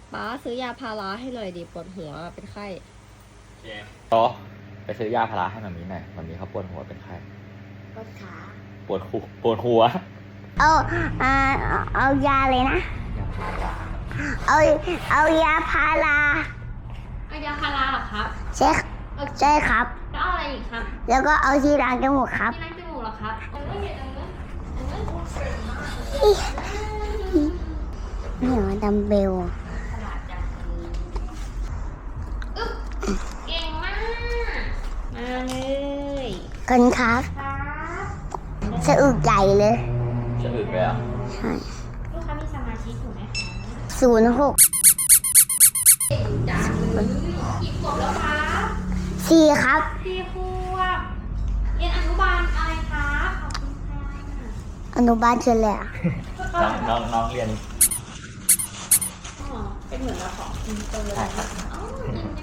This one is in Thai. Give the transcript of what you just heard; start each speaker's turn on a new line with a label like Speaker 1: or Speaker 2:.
Speaker 1: ป๊าซื้อยาพาราให้หน่อยดิปวดหัวเป็นไข้
Speaker 2: โต๊ะไปซื้อยาพาราให้มามีหน่อยมามีเขาปวดหัวเป็นไข้
Speaker 3: ปวดขา
Speaker 2: ปวดหัว
Speaker 3: เอายาเลยนะ
Speaker 2: ยาพารา
Speaker 3: เอายาพารา
Speaker 4: เอายาพาราเหรอครับ
Speaker 3: ใช่ครับ
Speaker 4: แล้วเอาอะไรอีกครับ
Speaker 3: แล้วก็เอาที่ล้างจมูกครับ
Speaker 4: ที่ล้างจมูกเหรอครับเอาเรื่องอยู่ตรงนู้น
Speaker 3: นี่เหรอดัมเบล
Speaker 4: ฉลาดจังอึ๊บเก่งมาก
Speaker 1: มาเลย
Speaker 3: กันครับ
Speaker 4: ครับ
Speaker 3: สะอึกใหญ่เลย
Speaker 2: จะอึเลยอ่ะ
Speaker 3: ใช่
Speaker 4: ลูกค้ามีสมาชิกถูกไหมคะ
Speaker 3: 06
Speaker 4: กี่ขวบแล้วครับ
Speaker 3: 4ครับ
Speaker 4: 4 ขวบเรียนอนุบาลอะไรครับขอบคุณค่ะ
Speaker 3: อนุบาลเฉลี่ย
Speaker 2: น้องเรียน
Speaker 4: อ๋อเป็นเหมือนเราของอินเตอร์เลย
Speaker 2: ใช่ครับ
Speaker 4: อ๋ออินเต